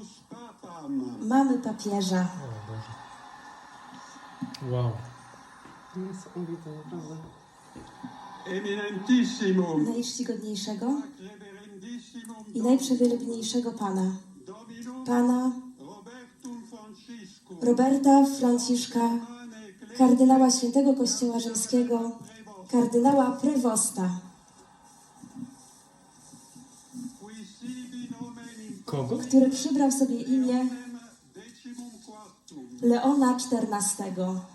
Mamy papieża. Wow. Niesamowite, naprawdę. Eminentissimum, Najczcigodniejszego reverendissimum i najprzewielebniejszego Pana. Pana Robertum Franciscum, Roberta Franciszka, kardynała Świętego Kościoła Rzymskiego, kardynała Prewosta, qui sibi nomen in Kogo? który przybrał sobie imię decimum quartum, Leona XIV.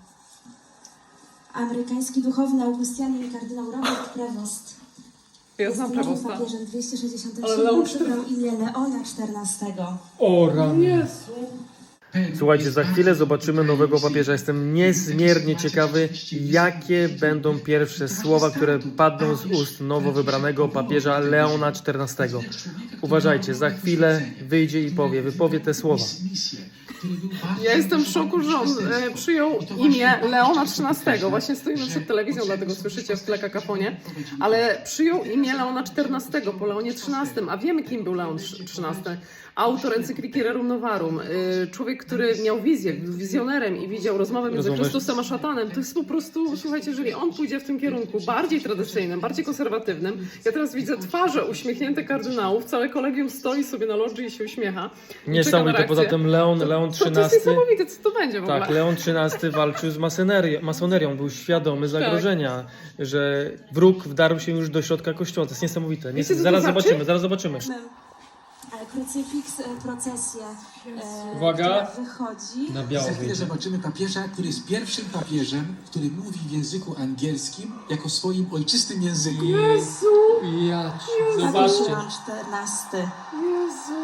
Amerykański duchowny Augustianin kardynał Robert Prevost Ja znam jest nowym Prevosta. papieżem Ale 267 Leon przybrał imię Leona XIV. O rany. Jezu. Słuchajcie, za chwilę zobaczymy nowego papieża. Jestem niezmiernie ciekawy, jakie będą pierwsze słowa, które padną z ust nowo wybranego papieża Leona XIV. Uważajcie, za chwilę wyjdzie i wypowie te słowa. Ja jestem w szoku, że on przyjął imię Leona XIII. Właśnie stoimy przed telewizją, dlatego słyszycie w tle kakafonie. Ale przyjął imię Leona XIV po Leonie XIII. A wiemy, kim był Leon XIII. Autor encykliki Rerum Novarum. Człowiek, który miał wizję, był wizjonerem i widział rozmowę między Rozumiesz? Chrystusem a szatanem. To jest po prostu, słuchajcie, jeżeli on pójdzie w tym kierunku bardziej tradycyjnym, bardziej konserwatywnym. Ja teraz widzę twarze uśmiechnięte kardynałów. Całe kolegium stoi sobie na lodży i się uśmiecha. I czeka na Niesamowite, reakcję. poza tym Leon To jest XIII... niesamowite, co to będzie w ogóle. Tak, Leon XIII walczył z masonerią, był świadomy zagrożenia, że wróg wdarł się już do środka kościoła. To jest niesamowite. Wiecie, co to Zaraz znaczy? zobaczymy, zaraz zobaczymy. Krucyfiks, procesję Uwaga. która wychodzi. Na biało Za chwilę wyjdzie. zobaczymy papieża, który jest pierwszym papieżem, który mówi w języku angielskim jako swoim ojczystym języku. Jezu! Ja Papież Zobaczcie. Leon XIV. Jezu!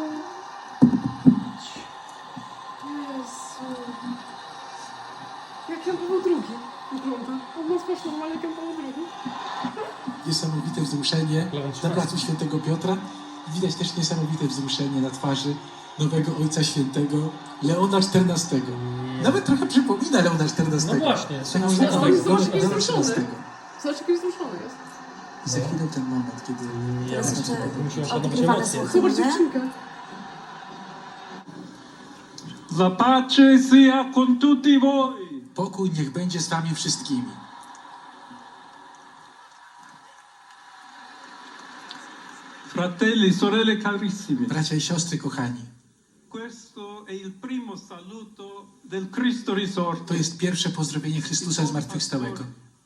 Jezu! Jak Jan Paweł II wygląda? On ma twarz normalnie jak Jan Paweł II. Niesamowite wzruszenie na placu Świętego Piotra. Widać też niesamowite wzruszenie na twarzy nowego Ojca Świętego Leona XIV. Nawet trochę przypomina Leona XIV. No właśnie, Tak, no, Leona ale zobacz, jaki jest XIII. wzruszony. Zobacz, jaki wzruszony jest. I za chwilę ten moment, kiedy... Teraz jeszcze muszę oszanować odgrywane emocje. są Zobacz hymny. dziewczynkę. la pace sia con tutti voi. Pokój niech będzie z wami wszystkimi. Fratelli, sorelle carissime, Bracia i siostry kochani, questo è il primo saluto del Cristo risorto. to jest pierwsze pozdrowienie Chrystusa zmartwychwstałego.